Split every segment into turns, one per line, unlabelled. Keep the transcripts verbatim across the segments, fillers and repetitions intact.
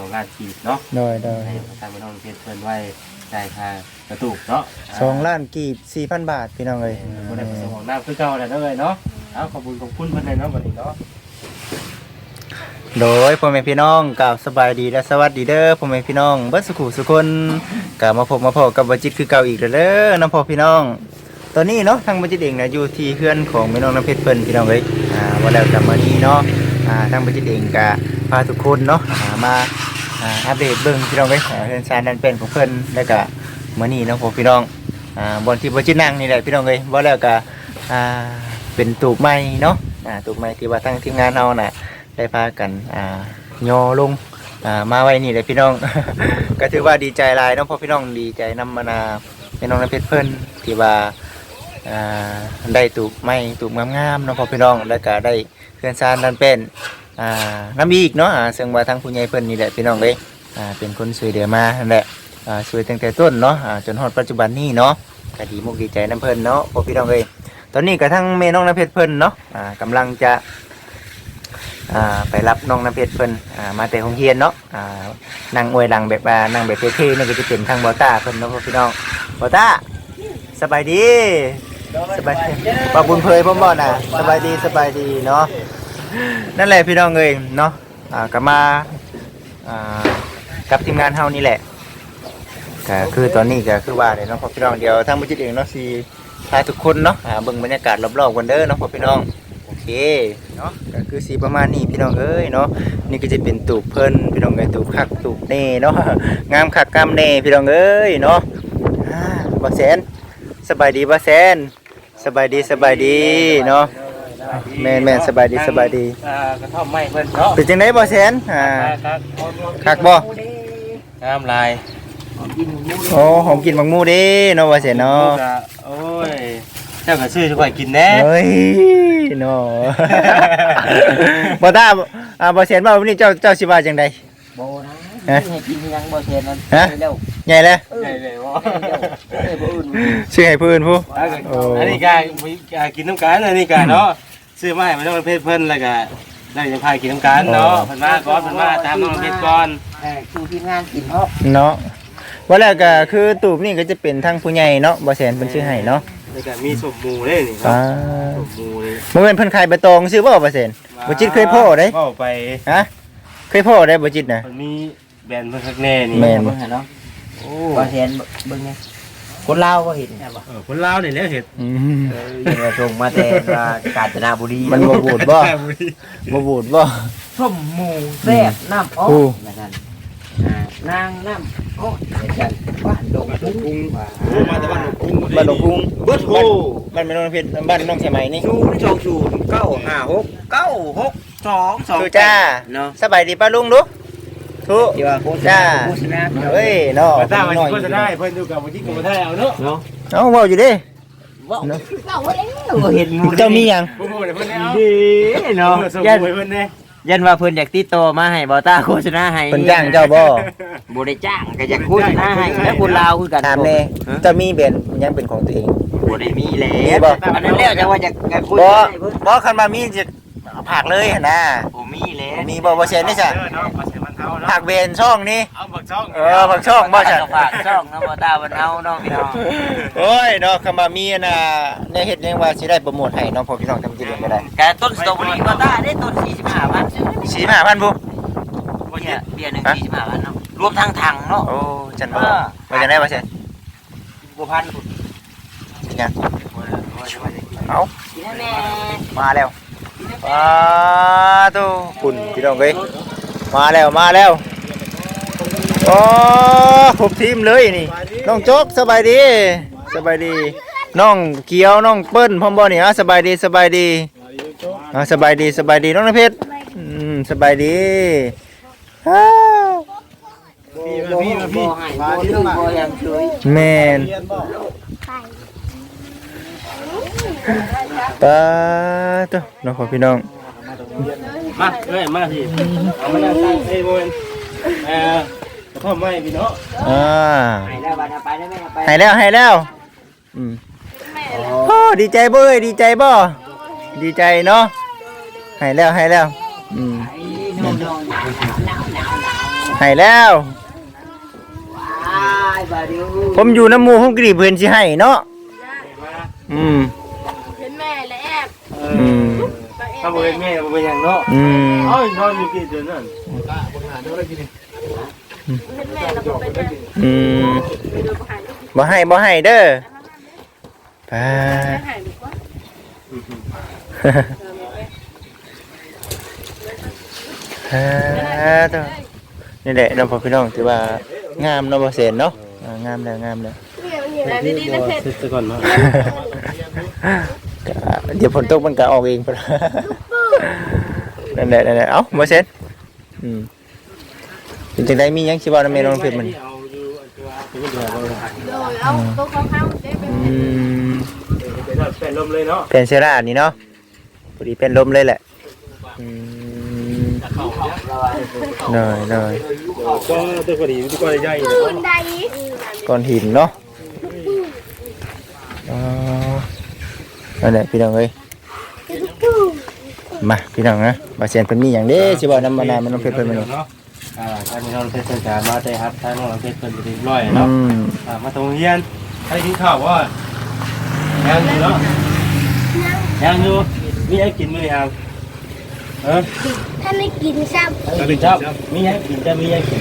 องล้านกีบเนาะ
โดยโดย
ให้ทางพี่น้องเพชรเพิ่นไว้จ่ายค่ากระตุกเนาะ
สองล้านกีบสี่พันบาทพี่น้องเอ้ย
บ่ได้ประสงค์ของน้ำคือเก่าแล้วเด้อเนาะเอาขอบคุณขอบคุณเพิ่นเลยเนาะบัดนี้เนาะ
โดยพ่อแม่พี่น้องกล่าวสบายดีและสวัสดีเด้อพ่อแม่พี่น้องเบิดสุขุสุคนกลับมาพบมาพบกับบัจิตคือเก่าอีกแล้วเด้อน้องพ่อพี่น้องตอนนี้เนาะทางบัจิตเองนะอยู่ที่เพื่อนของแม่น้องน้ำเพชรเพิ่นพี่น้องเอ้ยอ่าว่าแล้วกันมื้อนี้เนาะอ่าทางบัจิตเองก็พาทุกคนเนาะอ่ามาอ่าอัปเดตเบิ่งพี่น้องเอ้ยเรื่องสารดันเป็นของเพิ่นแล้วก็มื้อนี้เนาะพ่อพี่น้องอ่าบนที่บัจิตนั่งนี่แหละพี่น้องเอ้ยว่าแล้วก็อ่าเป็นตูบไม้เนาะอ่าตูบไม้ที่ว่าทางทีมงานเฮาน่ะได้พากันอ่าย่อลงอ่ามาไว้นี่เลยพี่น้อง ก็ถือว่าดีใจหลายเนาะเพราะพี่น้องดีใจนำมานาพี่น้องน้ำเพชรเพิ่นที่ว่าอ่าได้ตูบไม้ตูบงามๆเนาะเพอพี่น้องแล้วก็ได้เคลื่อนซานนั่นเป็นอ่าน้ำอีกเนาะอ่าซึ่งว่าทางผู้ใหญ่เพิ่นนี่แหละพี่น้องเอ้ยอ่าเป็นคนช่วยเหลือมานั่นแหละอ่าช่วยตั้งแต่ต้นเนาะอ่าจนฮอดปัจจุบันนี้เนาะก็ดีมุกดีใจน้ำเพิ่นเนาะเพอพี่น้องเอ้ยตอนนี้ก็ทั้งแม่น้องน้ำเพชรเพิ่นเนาะอ่ากำลังจะอ่าไปรับน้องน้ำเพชรเพิ่นอ่ามาแต่โรงเรียนเนาะอ่านั่งอวยหลังแบบว่านั่งแบบเท่ๆนี่ก็จะเป็นทางบอต้าเพิ่นเนาะพี่น้องบอต้าสบายดีสบายดีปะบุญเพยพ่อบ่น่ะสบายดีสบายดีเนาะนั่นแหละพี่น้องเอ้ยเนาะอ่าก็มาอ่ากับทีมงานเฮานี่แหละก็คือตอนนี้ก็คือว่าเดี๋ยวน้องพ่อพี่น้องเดี๋ยวทางบุจิตเองเนาะสิพาทุกคนเนาะอ่าเบิ่งบรรยากาศรอบๆกันเด้อเนาะพ่อพี่น้องโอเคเนาะก็คือสีประมาณนี้พี่น้องเอ้ยเนาะนี่ก็จะเป็นตูบเพิ่นพี่น้องเอ้ยตูบคักตูบเน่เนาะงามคักงามเน่พี่น้องเอ้ยเนาะอ่าบ่แสนสบายดีบ่แสนสบายดีสบายดีเนาะแม่นแม่นสบายดีสบายดี
อ่ากระท่อมไม้เพิ่นเนาะ
เป็นจังได๋บ่แสนอ่าคักบ่
งามลาย
โอ้หอมกินบักหมูเด้เนาะบ่แสนเนาะ
โอ้ยเจ้าก็ซื้อสิค่อยกินแน่
เฮ้ยเนาะ บ่ตาอ่าบ่แสนว่าวันนี้เจ้าเจ้าสิว่าจังได๋
บ่นะให้กินยังบ่แซ่นนั่นเร็ว
ใหญ่แล้ว
ใหญ่เลยบ่
ให้ผู้อื่น
ซื้อให้ผู้อื่นผู้
อันนี้ก็กินน้ำกันอันนี้ก็เนาะซื้อมาให้มันต้องเพชรเพิ่นแล้วก็ได้จะพากินน้ำกันเนาะเพิ่นมาก่อนเพิ่นมาตามน้องเพชรก่อน
เออคือทีมงานกินเนาะ
เนาะว่าแล้วก็คือตูบนี่ก็จะเป็นทางผู้ใหญ่เนาะบ่แสนเพิ่นซื้อให้เนาะ
แล้วก็มีสมหมูเด้นี่เนาะสมหมูนี่
บ่แม่นเพิ่นขายใบตองซื้อบ่บ่แสนบ่จิตเคยพ่อได้
พ่อไป
ฮะเคยพ่อได้บ่จิตน่ะ
มันมีแบรนด์เพิ่นคักแน่นี่
แม่นบ่
เนาะโอ้บ่แซ่นเบิ่งไงคนลาวก็เห็นใช่ป่ะ
เออคนลาวนี่แหละเฮ็ด
อืม
เออส่งมาแต่ว่ากาญจนบุรี
มันบ่บูดบ่บ่บูดบ่
ส้มหมูแซ่บน้ำอ้อนั่นนั่นอ่านางน้ำอ้อจันบ้านดงกุ้ง
มาแต่บ้านดงกุ้ง
บ้านดงกุ้ง
เบิดโห
บ้านแม่น้องเพชรบ้านน้องใช่ไหมนี่
ศูนย์สองศูนย์เก้าห้าหกเก้าหกสองสอง
ทุจ้า
เนาะ
สบายดีป้าลุงลูกทุจ้าเฮ้ยเนาะ
ป้าตามันโฆษณาให้เพิ่นอยู่กับบ่จิกบ่ได้เอาเนาะเนาะ
เอาเว้าอยู่ดิ
ว้าวเราเห็น
เจ้ามีหยัง
บ่ฮู้เพิ่นเอา
ดีเนาะ
ยันเพิ่นแน่
ยันว่าเพิ่นอยากติดต่อมาให้บ่ตาโฆษณาให้
เพิ่นจ้างเจ้าบ่
บ่ได้จ้างก็อยากโฆษณาให้แล้วคนลาวคือกัน
ถามแน่เจ้ามีแบรนด์ยังเป็นของตัวเอง
บ่ได้มีแล้วอันนั้นแล้วจังว่าอยากคุย
บ่บ่คันมามีจะผากเลยหั่นน่ะ
บ่มีแล้ว
มีบ่บ่แซ่นนี่ซะผากเบนช่องนี่
เอาบักช่อง
เออบักช่องบ่ซะ
ฝากช่องเนาะบ่ตาบ่เฮาเนาะพี่น้อง
โอ้ยเนาะคันมามีน่ะในเฮ็ดยังว่าสิได้โปรโมทให้เนาะพอพี่น้องทำกินก็ได้
แต่ต้นสตรอเบอรี่บ่ตาได้ต้นสี่สิบห้าพันซื้อ
สี่สิบห้าพันบ่
เบียร์เบียร์หนึ่งสี่สิบห้าพันเนาะรวมทั้งถังเนาะ
โอ้จันบ่ว่าจังได๋บ่แซ่น
บ่พัน
สิยังเอามาแล้วว้าตู้คุณพี่น้องเอ้ยมาแล้วมาแล้วโอ้ครบทีมเลยนี่น้องโจ๊กสบายดีสบายดีน้องเกียวน้องเปิ้ลพร้อมบ่นี่ฮะสบายดีสบายดีอ่าสบายดีสบายดีน้องน้ำเพชรอืมสบายดีอ้าว
พี่มาพี่มาพี่บ่ลืมบ่ยังเฉย
แม่นตาตัวน้องพี่น้อง
มาเอ้ยมาพี่เอามานั่งตั้งเอ้ยโมนเอ่อพ่อไม่พี่เนาะ
อ่า
ให้แล้วบัดไปได้มั้ยไป
ให้แล้วให้แล้วอืมโอ้ดีใจบ่เอ้ยดีใจบ่ดีใจเนาะให้แล้วให้แล้วอืมให้แล้ว
อ้ายบาดิว
ผมอยู่น้ำหมู่ผมกรีบเพิ่นสิให้เนาะอืม
เห็นแม่และแอบ
อืม
ถ้าบ่เป็นแม่บ่เป็นหยังเนาะ
อืม
เอ้ยนอนอยู่กี่เดือนนั่น
เห็นแม่แล้วก็เป็นแม่
อืม
ไปดูประหารก็
บ่ให้บ่ให้เด้อไป
หายดีกว่า
ฮะต่อนี่แหละน้องพ่อพี่น้องถือว่างามเนาะบ่เซนเนาะอ่างามแล้วงามแล้ว
แต่ดีๆนะเพชร
เสร็จซะก่อนเนาะ
ก็เดี๋ยวฝนตกมันก็ออกเองพุ่นนั่นแหละนั่นแหละเอ้าบ่เซนอืมเป็นจังไดมีหยังสิเว้านำแม่น้องเพชรมัน
เอาอยู่อันตัวเป็นเดือนเลย
โดยเอาตัวเขาเข้าได้เป็น
อืม
เป็นเป็นลมเลยเนาะ
เป็นเซรานี่เนาะพอดีเป็นลมเลยแหละอืมน้อยน้อย
ก็ตัวพอดีตัวก็ใหญ่
ตื่นใด
ก้อนหินเนาะอ๋อนั่นแหละพี่น้องเอ้ยมาพี่น้องนะบาเซียนเพิ่นมีหยังเด้สิบ่นำมานานมันต้องเพิ่นเพิ่นมาเนาะ
เนาะอ่าท่านน้องเพชรเพิ่นจะมาได้ครับท่านน้องเพชรเพิ่นเรียบร้อย
อื
เนาะ
ม
อ่ามาตรงเรียนให้กินข้าวบ่ยังอยู่เนาะยังอยู่มีให้กินมื้อนี้ครับเออ
ท่านไม่กินซ้
ก็เป็นครับมีให้กินจะมีให้กิน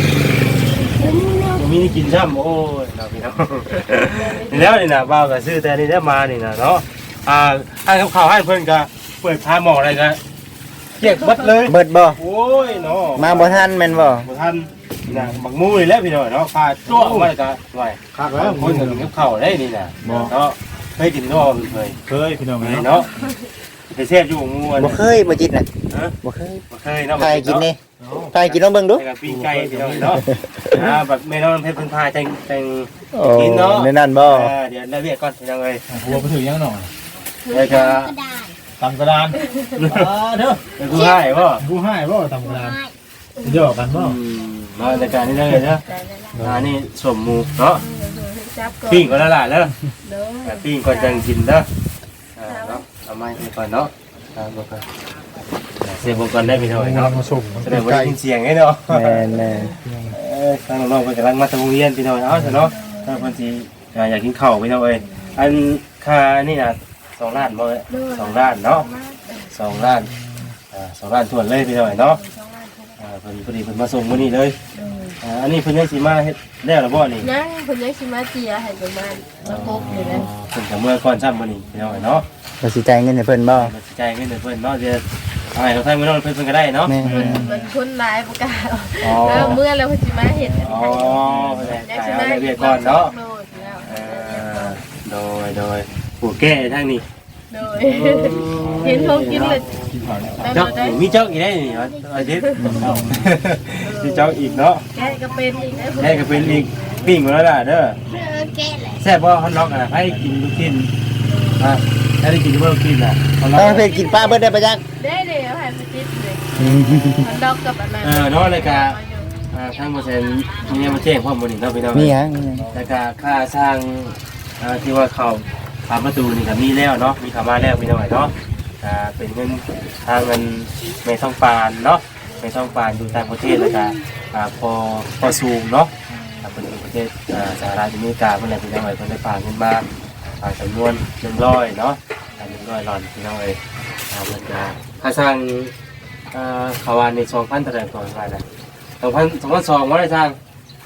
ำ
มีให้กินซ้ำโอ้ยเราพี่น้องนี่แล้วนี่นะบ่าวก็ซื้อแต่นี่ได้มานี่นะเนาะอ่าให้กับข้าวให้เพิ่นก็เปิดพาหมออะไรก็เกียกบัดเลย
เบิดบ่
โอ้ยเนาะ
มาบ่ทันแม่นบ่
บ่ทันนะบักมูนี่แหล้วพี่น้องเนาะพาจ้วงมาแล้วก็หน่อยคักแล้วคนก็กินกับข้าวได้นี่น่ะเนาะเคยกินเนาะเคย
เคยพี่น้อง
เคย
เนาะ
เนาะไปเสพอยู่งูอัน
บ่เคยบ่จิตน่ะ
ฮะ
บ่เคย
บ่เคยเนาะ
ใครกินนี่ใครกินลองเบิ่งดู
ไปกับปิ้งไก่พี่น้องเนาะอ่าแบบแม่น้องเพชรเพิ่นพาจังจัง
โอ้
กินเนาะ
ในนั้นบ่
อ่าเดี๋ยวแล้วเรียกก่อนพี่น้องเอ้ย
หัวไปถึงยังหน่อย
แล้วก็
ตำกระดานอ่าเด้อ
เป็นผู้ให้บ่
ผู้ให้บ่ตำกระดานเดี๋ยวกันบ่
อืมมาในการนี้เลยเนาะอ่านี่สมหมูเนาะ
จับก่อน
ปิ้งก่อนแล้วล่ะเด้อ
เด้อ
อ่าปิ้งก่อนจังกินเด้ออ่าเนาะเอาไม้ไปก่อนเนาะอ่าบ่ก่อนเสียบก่อนได้พี่น้องเนาะ
มาส่ง
แสดงว่าได้ยินเสียงให้เนาะ
แม่นแม่น
เอ้ยทางน้องๆเพิ่นกำลังมาทำโรงเรียนพี่น้องเอาซะเนาะถ้าเพิ่นสิอ่าอยากกินข้าวพี่น้องเอ้ยอันค่านี่น่ะสองล้านบ่เอ้ยสองล้านเนาะสองล้านอ่าสองล้านทวนเลยพี่น้องเอ้ยเนาะอ่าเพิ่นพอดีเพิ่นมาส่งมื้อนี้เลยอ่าอันนี้เพิ่นยังสิมาเฮ็ดแล้วหรือบ่นี่
นั่งคนยังชิมาเจียให้ประมาณมาพบอยู่นะ
เพิ่นก็เมื่อก่อนซ้ำมื้อนี้พี่น้องเอ้ยเนาะ
บ่สิจ่ายเงินให้เพิ่นบ่
มาสิจ่ายเงินให้เพิ่นเนาะเดี๋ยวเอาให้เขาทางมื้อน้องเพิ่นเพิ่นก็ได้เนาะ
แม่
มันมันคนร้ายประกาศ
อ๋อ
แล้วเมื่อเราพจิมาเห็น
อ๋อเพิ่นได้จ่ายเอาเรียกก่อนเนาะ เออโดยโดยผู้แก้ทางนี้
โดยเห็นเขากินเลย
เจ้ามีเจ้าอีกได้นี่วะอาทิตย์มีเจ้าอีกเนาะ
แกก็เป็นอีกนะ
แม่ก็เป็นอีกปิ้งหมดแล้วล่ะเด้อ
แกเลย
แซ่บบ่ฮอนล็อกอ่ะให้กินลูกชิ้นอ่ะให้ได้กินลูกชิ้นอ่ะฮอนล็
ต้
อ
อก งเพิ่นกินปลาเบิดได้ปะจัก
ได้เดี๋ยวให้ไปจิตเลยมันดอกกับอันนั้น
เออเนาะเลยกะอ่าทางเปอร์เซ็นต์มีเนี่ยมาแจ้งพร้อมบ่นี่เนาะพี่น้อง
มีหยังมีหยัง
แล้วก็ค่าสร้างอ่าที่ว่าเข้าผ่านประตูนี่ก็มีแล้วเนาะมีเข้ามาแล้วพี่น้องเนาะอ่าเป็นเงินทางเงินไม่ต้องปานเนาะไม่ต้องปานอยู่ต่างประเทศแล้วก็อ่าพอพอสูงเนาะอ่าเป็นประเทศอ่าสหรัฐอเมริกาเพิ่นแหละพี่น้องเอ้ยเพิ่นได้ฝากเงินมาฝากจำนวนหนึ่งร้อยเนาะอ่าหนึ่งร้อยหลอนพี่น้องเอ้ยอ่ามันจะค่าสร้างอ่าเขาวานในสองพันเท่าไหร่ก่อนว่าน่ะสองพันสองพันสองบ่ได้สร้าง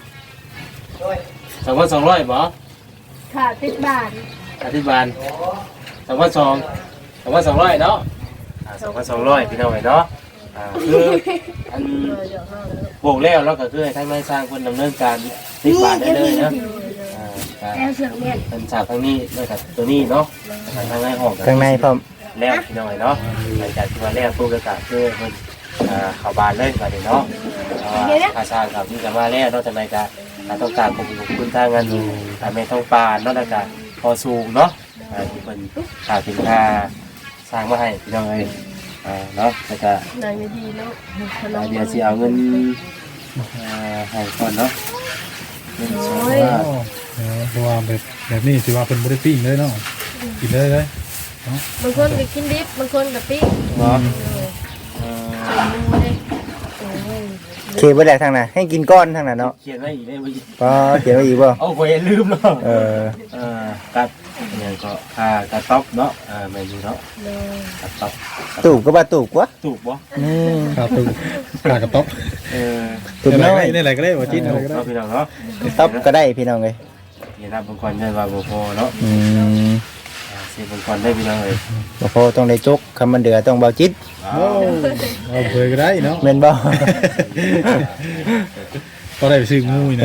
สองพันสองร้อยบ่
ค่ะติดบาท
อธิบาลสองพันสองสองพันสองร้อยเนาะสองพันสองร้อยพี่น้องเนาะอ่าคืออันโบกแล้วแล้วก็คือให้ทางนายสร้างคนดำเนินการติดบาทได้เลยนะอ่าอ่า
แล้วเสือกเนี่ย
เป็นฉากทางนี้แล้วกับตัวนี้เนาะทางในห้อง
ข้างในพร้อม
แล้วพี่น้องเนาะหลังจากที่ว่าแล้วปุ๊บก็คือมันอ่าเข้าบานเลยบาดนี้เนาะเพราะว่าค่าสร้างกับนี่ก็มาแล้วเนาะแต่ไม่ก็ต้องการขอบคุณทางงานอ่าไม่ต้องปานเนาะแล้วก็พอสูงเนาะอ่าที่เป็นค่าสินค้าสร้างมาให้พี่น้องเอ้ยอ่าเนาะแล้วก็
นางดีเนาะ
อ่าเดี๋ยวสิเอาเงินอ่าให้ก่อนเนาะเงินสอง
โอ้ย
บาท
เออเพราะว่าแบบแบบนี้สิว่าเป็นบ่ได้ปิ้งเลยเนาะกินเลยเลย
บางคนก็กินดิบบางคนก็ปิ้ง
เนาะ
เลย
เอ่อ
ใส่หมูเลยโอ้ย
เขียนไว้แล้วทางน่ะให้กินก้อนทางน่ะเนาะ
เขียนไว้อีกได้บ่
ก็เขียนไว้อีกบ่
เอาไว้ลืมเนาะ
เออ
เออกัดเนี่ยก็ค่ากระต๊อบเนาะอ่าแม่นอยู่เนาะ
เลย
กระต๊อบ
ตูบก็บ่ตูบวะ
ถูกบ่
อืม
ขาตูขากระต๊อบ
เออ
ตูบ
อะไร
น้อ
ก็
ย
ได้อะไรก็ได้บ่จิ้นอะไรก็ได้
เนาะพี่น้องเนาะ
ต๊อบก็ได้พี่น้องเอ้ย
เดี๋ยวนับบางคนได้ว่าบ่พอเนาะ
อืม
อ่าสิบางคนได้พี่น้องเอ้ย
บ่พอต้องได้จกคำมันเดือต้องเบาจิต
อ้า
โอ้
ว
เอาเคยก็ได้เนาะ
แม่นบ่
ก็ได้ไปซื้องูอีกนะ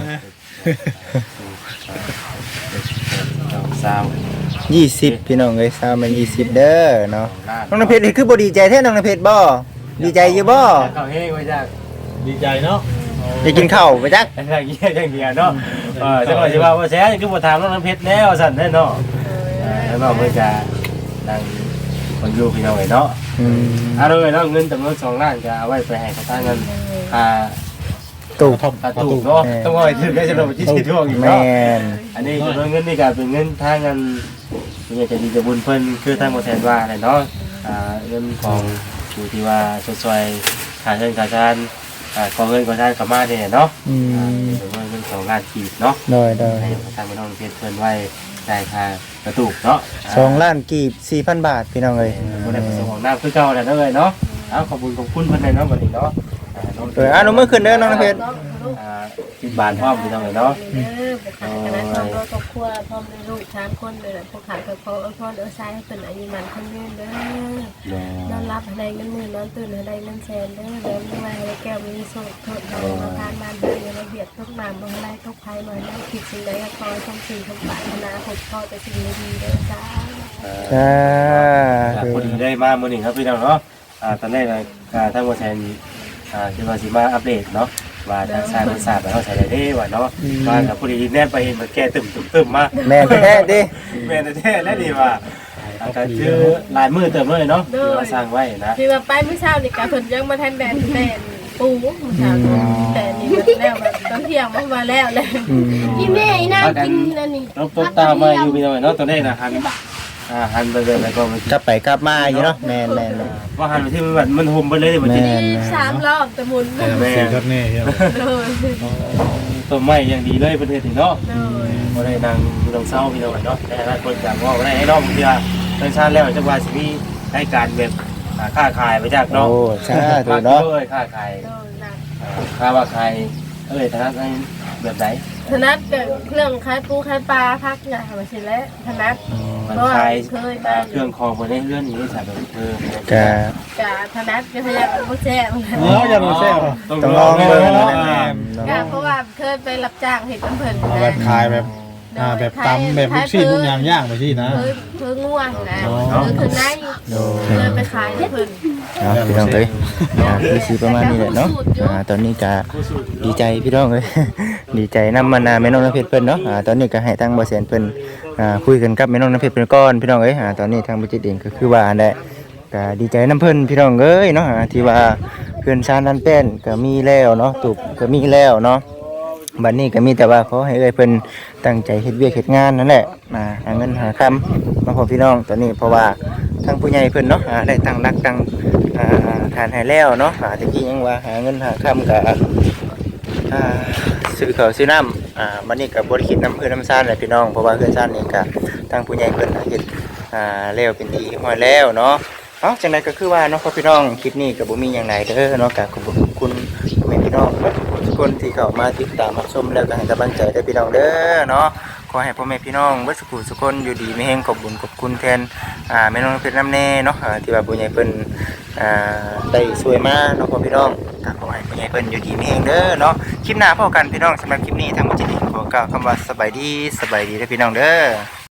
เจ้าสาว
ยี่สิบพี่น้องเอ้ยสาวมันยี่สิบเด้อเนาะ
ล้าน
น้องน้ำเพชรนี่คือบ่ดีใจแท้น้องน้ำเพชรบ่ดีใจอยู่บ่
เข้าเฮงไว้จ้า
ดีใจเนาะ
ได้กินข้าวไปจัก
อย่างเงี้ยอย่างเงี้ยเนาะเออจังหวะสิว่าว่าแซ่คือบ่ถามน้องน้ำเพชรแล้วสั่นแน่เนาะเออแล้วน้องเพิ่นจะนั่งคนอยู่พี่น้องเอ้ยเนาะ
อืม
อ่าเลยเนาะเงินจำนวนสองล้านจะเอาไว้ไปให้เขาตั้งเงินค่า
ตูบ
ท่อม
ค่าถูกเนาะต้องเอาไปถึงได้จำนวนที่สิบทั่วอีก
แม่
เนาะ
น
อันนี้จำนวนเงินนี่ก็เป็นเงินทางเงินเป็นจะดีจะบุญเพิ่นคือทางบ่แทนว่าแหละเนาะอ่าเงินของผู้ที่ว่าช่วยๆค่าเงินค่าชานอ่าขอเงินขอชานเข้ามาเนี่ยเนาะ
อื
อ่าม จำนวนเงินสองล้านกีบเนาะ
ได้ได้
ให้ทางพี่น้องเพชรเพิ่นไว้ได้ค่ากระตุกเนาะ
สองล้านกีบสี่พันบาทพี่น้องเอ้ย
บ่ได้ประสงค์ของน้ำคือเก่าแหละเนาะเอ้ยเนาะเอาขอบคุณขอบคุณเพิ่นเลยเนาะบัดนี้เนาะอ่าน้อง
เอออ่ะหนูมือขึ้นเด้อน้องน้ำเพชร
อ่าสิบบาทพร้อมพี่น้องเอ้ยเนาะ
เด้อไปขายคณะทองรถครอบครัวพร้อมด้วยลูกสามคนเลยแหละพวกขายกับพ่อเอาพ่อเด้อชายให้เป็นอายุมันคนยืนเด้อนอนรับอะไรเงินหมื่นนอนตื่นอะไรเงินแสนเด้อเดินมาให้แก้วมีโซ่โทษเรามาทานบ้านเดินระเบียบทุกนามบางไรทุกภัยหน่อยนะคิดสิ่งใดก็คอยทำสิ่งทำปรารถนาพบพ่อแต่สิ่งดีๆเด้อจ้า
จ้า
อ่าพอดีได้มามื้อนี้ครับพี่น้องเนาะอ่าตอนแรกน่ะอ่าทางบ่แทนอ่าคือว่าสิมาอัปเดตเนาะว่าทางสายมันทราบว่าเฮาใช้ได้เด้ว่าเนาะว่ากับพอดีแนบไปเห็นมันแก้ตึมตึมๆมา
แม่นแท้ดิ
แม่นแท้ๆแล้วนี่ว่าอาการคือหลายมือเติมเลยเนาะที่ว่าสร้างไว้นะ
ที่ว่าไปเมื่อเช้านี่กะเพิ่นยังมาทันแดนแดนปูเมื่อเช้านี่แต่นี่มันแล้วแบบตอนเที่ยงมันมาแล้วเลย
อืม
อีแม่อีนางกินนั่นนี่
รบตบตามมาอยู่พี่น้องเนาะตอนแรกน่ะหันอ่าหันไปเลยแล้วก็มัน
กลับไปกลับมาอยู่เนาะแม่นแม่นแม่น
ว่าหันไปที่มันมันห่มไปเลยมันจะ
แม่
มีสามรอบแต่หมุน
แต่สีชัดแน่ใช่ไหม
เลย
ต้นไม้อย่างดีเลยประเทศนี้เนาะ
เลย
บ่ได้นางอยู่ตรงเศร้าพี่น้องเนาะแต่หลายคนจะว่าบ่ได้ให้น้องเพื่อทางชาติแล้วจังว่าสิมีให้การแบบอ่าค้าขายไปจากเนาะ
โอ้ชาถูกเนาะ
เอ้ยค้าขาย
เลยหนัก
อ่าค้าว่าขายเอ้ยธนาคารแบบไหน
ธนัดกับเครื่องคล้ายปูคล้ายปลาพักอย่างมาสิแล้วธนัด
มัน
เพราะว่า
ขาย
เคย
อ่า
มา
เครื่องคองบ่ได้เลื่อนอย่างนี้ใช่แบบเออ
กะ
กะธนัดก็พยายามบ่แจ้ง
เอออย่ามาแซ่บอ่ะ
ต้อง
ต้อง
ล
ล
อ
อง ง
เล
เบิ่
ย
ง
เนาะ
นะ
กะเพราะว่าเคยไปรับจ้างเห็ดน้ำเพิ่น
เอาแบบขายแบบอ่าแบบตำแบบลูกชิ้นลูกยางย่างไปที่นะ
เคยเคยง่วงนะ
อ๋อ
เคยคืนไหน
โด
เคยไปขายให้เพิ่น
เนาะพี่น้องเอ้ยอ่าคือสิประมาณนี้แหละเนาะอ่าตอนนี้ก็ดีใจพี่น้องเอ้ย ดีใจนำมานาแม่น้องน้ำเพชรเพิ่นเนาะอ่าตอนนี้ก็ให้ทางบ่แสนเพิ่นอ่าคุยกันกับแม่น้องน้ำเพชรเพิ่นก่อนพี่น้องเอ้ยอ่าตอนนี้ทางบ่จิตเองก็คือว่าอันใดก็ดีใจนํเพิ่นพี่น้องเอ้ยเนาะอ่าที่ว่าเพื่อนชาญนั้นแป้นก็มีแล้วเนาะตุบก็มีแล้วเนาะบัดนี้ก็มีแต่ว่าขอให้เอ้ยเพิ่นตั้งใจเฮ็ดเวียกเฮ็ดงานนั่นแหละมาหาเงินหาคำมาพอพี่น้องตอนนี้เพราะว่าทางผู้ใหญ่เพิ่นเนาะอ่าได้ตั้งรักตั้งอ่าฐานให้แล้วเนาะอ่าตะกี้ยังว่าหาเงินหาคำก็ อ่าซื้อข้าวซื้อน้ำอ่ามันนี่กับบริคิดน้ำเพื่อนน้ำซ่านเลยพี่น้องเพราะว่าเพื่อนซ่านนี่ก็ทางผู้ใหญ่เพิ่นเฮ็ดอ่าแล้วเป็นทีห้อยแล้วเนาะเอ้าจังไดก็คือว่าเนาะพ่อพี่น้องคลิปนี้ก็บ่มีหยังหลายเด้อเนาะก็ขอบคุณพ่อแม่พี่น้องทุกคนที่เข้ามาติดตามรับชมแล้วก็ให้กำลังใจเด้อพี่น้องเด้อเนาะขอให้พ่อแม่พี่น้องเบิดสุขสุขคนอยู่ดีมีแรงขอบคุญขอบคุณแทนอ่าแม่น้องเพชรน้ำแน่เนาะอ่าที่ว่าผู้ใหญ่เพิ่นอ่าได้ช่วยมาเนาะพ่อพี่น้องก็ขอให้ผู้ใหญ่เพิ่นอยู่ดีมีแรงเด้อเนาะคลิปหน้าพบกันพี่น้องสำหรับคลิปนี้ทางมุจิตขอกล่าวคำว่าสบายดีสบายดีเด้อพี่น้องเด้อ